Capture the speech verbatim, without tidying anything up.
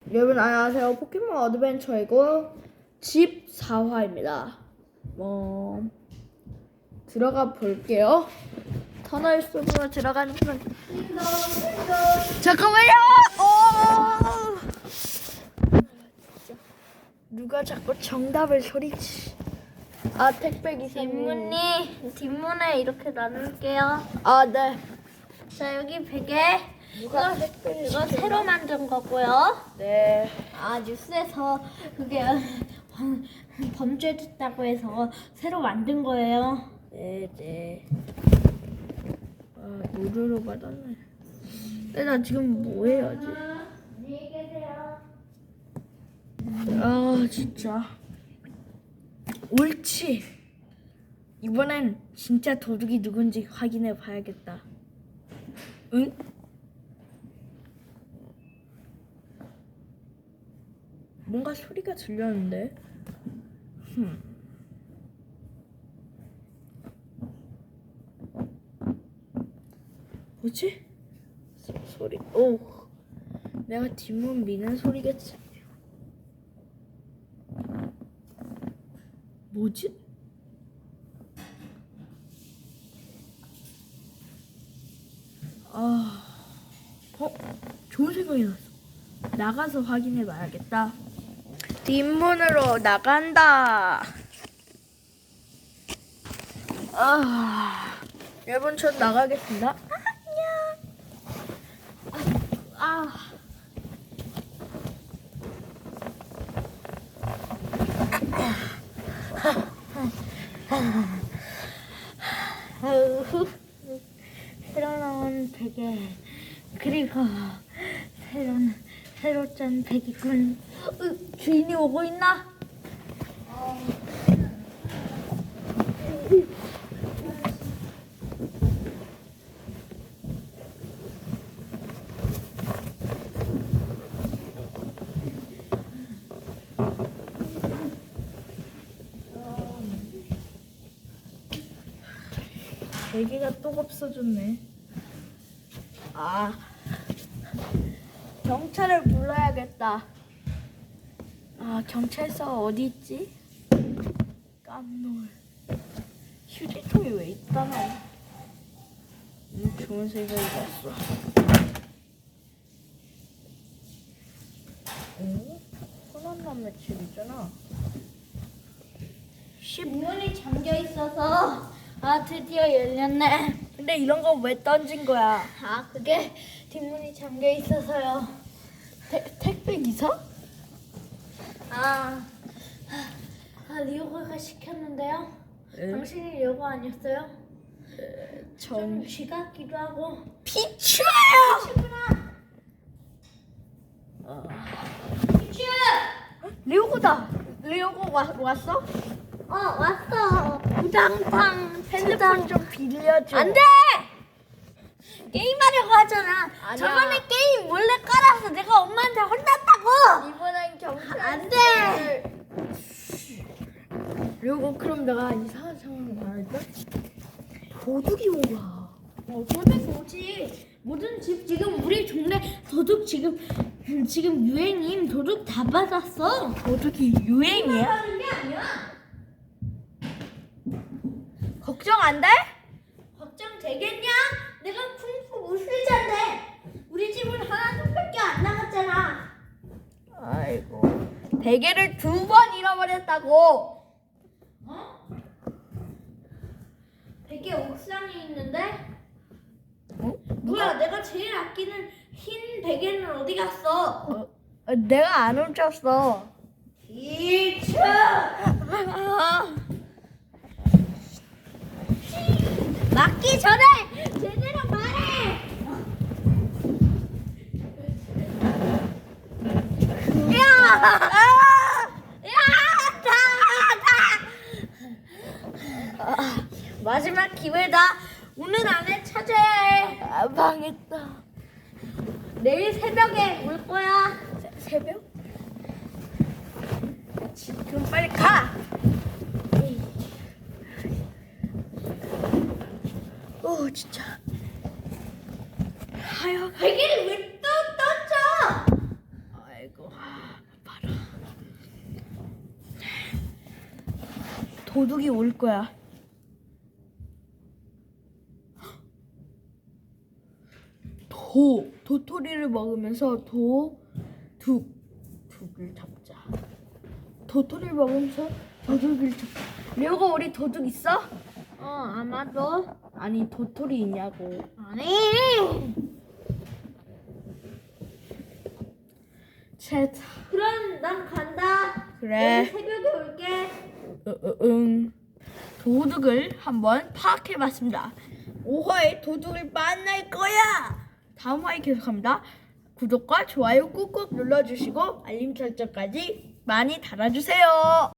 여러분 안녕하세요. 포켓몬 어드벤처이고 집사 화입니다. 뭐 들어가 볼게요. 터널 속으로 들어가는 건 잠깐만요. 오! 누가 자꾸 정답을 소리치? 아 택배 기사님. 뒷문이 뒷문에 이렇게 나눌게요. 아 네. 자 여기 베개 누가 이거, 택배를 이거 시켰나? 새로 만든 거고요. 네. 아 뉴스에서 그게 범- 범죄됐다고 해서 새로 만든 거예요. 네 네. 아 무료로 받았네. 근데 나 지금 뭐 해야지? 안녕히 계세요. 아 진짜 옳지. 이번엔 진짜 도둑이 누군지 확인해 봐야겠다. 응? 뭔가 소리가 들렸는데. 흠. 뭐지? 소, 소리. 오. 내가 뒷문 미는 소리겠지. 뭐지? 아, 어? 좋은 생각이 났어. 나가서 확인해 봐야겠다. 뒷문으로 나간다. 아, 여러분 전 나가겠습니다. 안녕. 아, 아우, 새로 나온 베개 그리고 새로 새로 짠 베개군. 어, 주인이 오고 있나? 베개가 또 없어졌네. 아, 경찰을 불러야겠다. 아, 경찰서 어디 있지? 깜놀. 휴지통이 왜 있다나? 음, 좋은 생각이 났어. 오? 흔한남의 집이잖아. 문이 잠겨 있어서 아 드디어 열렸네. 근데 이런 거 왜 던진 거야? 아 그게 뒷문이 잠겨 있어서요. 태, 택배 기사? 아, 아 리오가가 시켰는데요. 응? 당신이 리오가 아니었어요? 좀 전 쥐 같기도 하고. 피추예요. 피추구나. 어. 피추. 리오고다. 리오고 와, 왔어? 어 왔어. 우당탕 핸드폰 좀 빌려줘. 안돼. 게임하려고 하잖아. 아니야. 저번에 게임 몰래 깔아서 내가 엄마한테 혼났다고. 이번엔 경찰. 안 돼. 리오고 그럼 내가 이상한 상황을 말할까? 도둑이 온 거야. 어, 도둑 오지. 모든 집 지금 우리 동네 도둑 지금 음, 지금 유행임. 도둑 다 받았어. 도둑이 유행이야? 하는 게 아니야. 걱정 안 돼? 걱정 되겠냐? 내가 쿵푸 우슬자인데 우리 집은 하나 둘밖에 안 나갔잖아. 아이고. 베개를 두 번 잃어버렸다고. 어? 베개 옥상에 있는데? 어? 뭐야? 내가 제일 아끼는 흰 베개는 어디 갔어? 어, 어, 내가 안 훔쳤어. 이츠! 맞기 전에 제대로 말해. 야! 야! 다! 다! 마지막 기회다. 오늘 안에 찾아야 해. 아, 망했다. 내일 새벽에 올 거야. 새, 새벽? 지금 빨리 가. 오 진짜. 하여 베개를 왜 또 던져? 아이고 봐라. 도둑이 올 거야. 도 도토리를 먹으면서 도둑 둑을 잡자. 도토리를 먹으면서 도둑을 잡자. 레오가 우리 도둑 있어? 어 아마도 아니 도토리 있냐고. 아니. 챗. 그럼 난 간다. 그래. 내일 새벽에 올게. 으, 으, 응. 도둑을 한번 파악해봤습니다. 오 화에 도둑을 만날 거야. 다음 화에 계속합니다. 구독과 좋아요 꾹꾹 눌러주시고 알림 설정까지 많이 달아주세요.